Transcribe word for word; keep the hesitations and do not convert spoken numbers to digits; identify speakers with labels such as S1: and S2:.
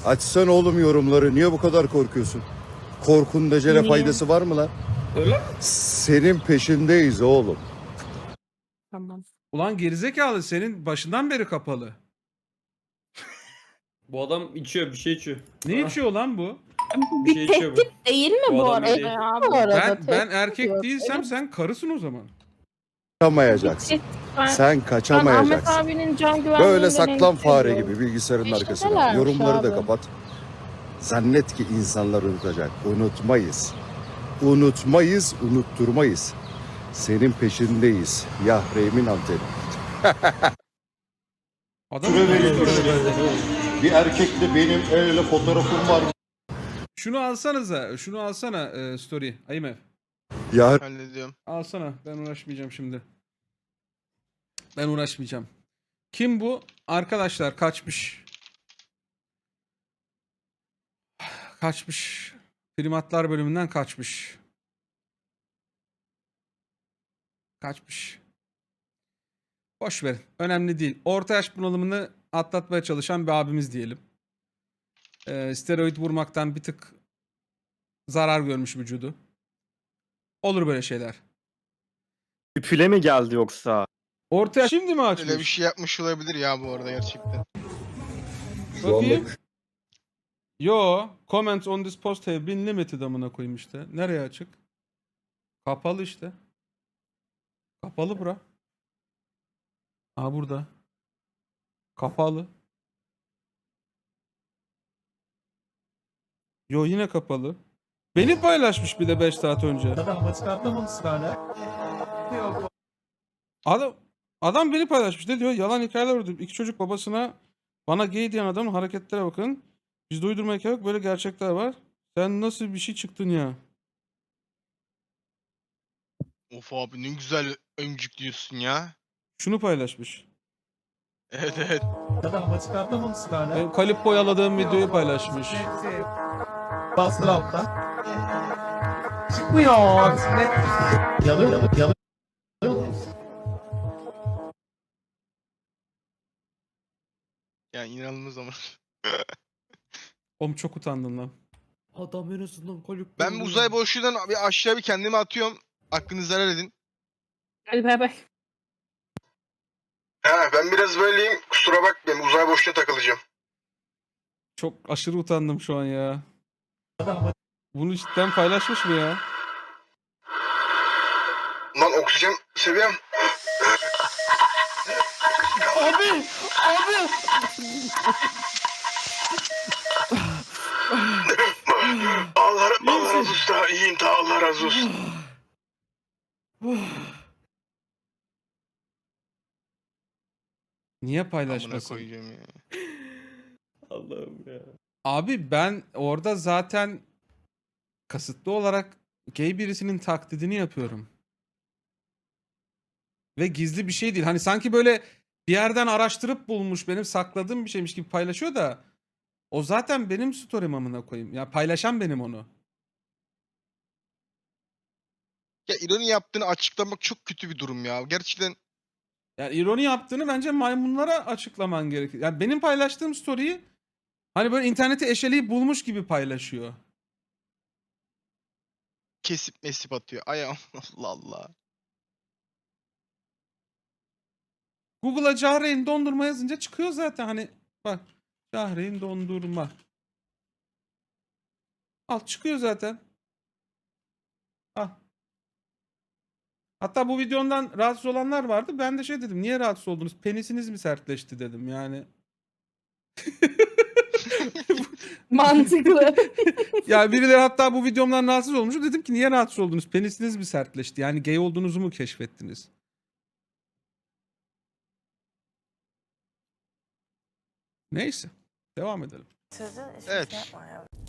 S1: Açsana oğlum yorumları. Niye bu kadar korkuyorsun? Korkunun decele
S2: Niye?
S1: faydası var mı lan?
S3: Öyle mi?
S1: Senin peşindeyiz oğlum.
S2: Tamam.
S4: Ulan gerizekalı senin başından beri kapalı.
S3: Bu adam içiyor, bir şey içiyor.
S4: Ne
S3: Ah,
S4: içiyor lan bu?
S3: Bir şey
S2: Bir
S3: içiyor bu.
S2: tehdit değil mi
S3: Bu
S2: bu
S3: adam
S2: arada
S3: iyi.
S2: ya?
S5: Bu arada
S4: Ben ben
S5: tehdit
S4: erkek
S5: yok.
S4: değilsem
S5: Öyle-
S4: sen karısın o zaman.
S1: Kaçamayacaksın.
S2: Ben,
S1: Sen
S2: ben Ahmet
S1: kaçamayacaksın.
S2: abinin can güvenliğinden
S1: Böyle saklan
S2: endişe
S1: fare
S2: ediyorum.
S1: gibi bilgisayarın
S5: Peşindelermiş
S1: arkasına. Yorumları da
S5: abi.
S1: kapat. Zannet ki insanlar unutacak. Unutmayız. Unutmayız, unutturmayız. Senin peşindeyiz. Yahremin anteni.
S4: Adam
S1: Süre verilmiş. Bir erkekle benim el ele fotoğrafım var.
S4: Şunu alsanıza. Şunu alsana e, story. Aymev.
S1: Ya
S6: Hallediyorum.
S4: Alsana. Ben uğraşmayacağım şimdi. Ben uğraşmayacağım. Kim bu? Arkadaşlar kaçmış. Kaçmış. Primatlar bölümünden kaçmış. Kaçmış. Boş verin. Önemli değil. Orta yaş bunalımını atlatmaya çalışan bir abimiz diyelim. Ee, steroid vurmaktan bir tık zarar görmüş vücudu. Olur böyle şeyler.
S7: Üpüle mi geldi yoksa?
S4: Orta yaş şimdi mi açmış?
S6: Öyle bir şey yapmış olabilir ya bu arada gerçekten.
S4: Bakayım. Yo. Comments on this post have been limited amına koyayım işte. Nereye açık? Kapalı işte. Kapalı bura. Aa burada. Kapalı. Yo yine kapalı. Beni paylaşmış bir de beş saat önce. Adam adam beni paylaşmış. Ne diyor? Yalan hikayeler uydurdum. İki çocuk babasına bana gay diyen adamın hareketlere bakın. Bizde uydurma hikaye yok. Böyle gerçekler var. Sen nasıl bir şey çıktın ya?
S6: Of abi ne güzel ömcük diyorsun ya.
S4: Şunu paylaşmış.
S6: Evet evet.
S4: Benim kalip boyaladığım videoyu paylaşmış.
S8: Bastır alttan. Çıkmıyor. Yanıyor, yanıyor, yanıyor.
S6: Yani inanılmaz ama.
S4: Oğlum çok utandım lan.
S3: Adam en azından kalip.
S6: Ben bu uzay boşluğundan bir aşağı bir kendimi atıyorum. Hakkınızı helal edin.
S2: Hadi bay bay.
S6: Ha ben biraz böyleyim. Kusura bakmayın uzay boşluğuna takılacağım.
S4: Çok aşırı utandım şu an ya. Bunu cidden paylaşmış mı ya?
S6: Lan oksijen seviyem.
S4: Abi! Abi!
S6: Allah, Allah razı olsun. Daha iyiyim daha Allah razı olsun.
S4: Niye
S6: Amına
S4: paylaşmasın?
S6: koyacağım ya.
S3: Allah'ım ya.
S4: Abi ben orada zaten kasıtlı olarak gay birisinin taklidini yapıyorum. Ve gizli bir şey değil. Hani sanki böyle bir yerden araştırıp bulmuş, benim sakladığım bir şeymiş gibi paylaşıyor da o zaten benim story'm amına koyayım. Ya paylaşan benim onu.
S6: Ya ironi yaptığını açıklamak çok kötü bir durum ya. Gerçekten
S4: Yani ironi yaptığını bence maymunlara açıklaman gerekir. Yani benim paylaştığım story'yi hani böyle interneti eşeleyip bulmuş gibi paylaşıyor.
S6: kesip mesip atıyor. Ay Allah Allah.
S4: Google'a Cahreyn dondurma yazınca çıkıyor zaten hani bak Cahreyn dondurma. Al çıkıyor zaten. Al. Hatta bu videondan rahatsız olanlar vardı. Ben de şey dedim. Niye rahatsız oldunuz? Penisiniz mi sertleşti dedim yani.
S2: Mantıklı.
S4: Ya birileri hatta bu videomdan rahatsız olmuş. Dedim ki niye rahatsız oldunuz? Penisiniz mi sertleşti? Yani gay olduğunuzu mu keşfettiniz? Neyse. Devam edelim.
S6: Evet.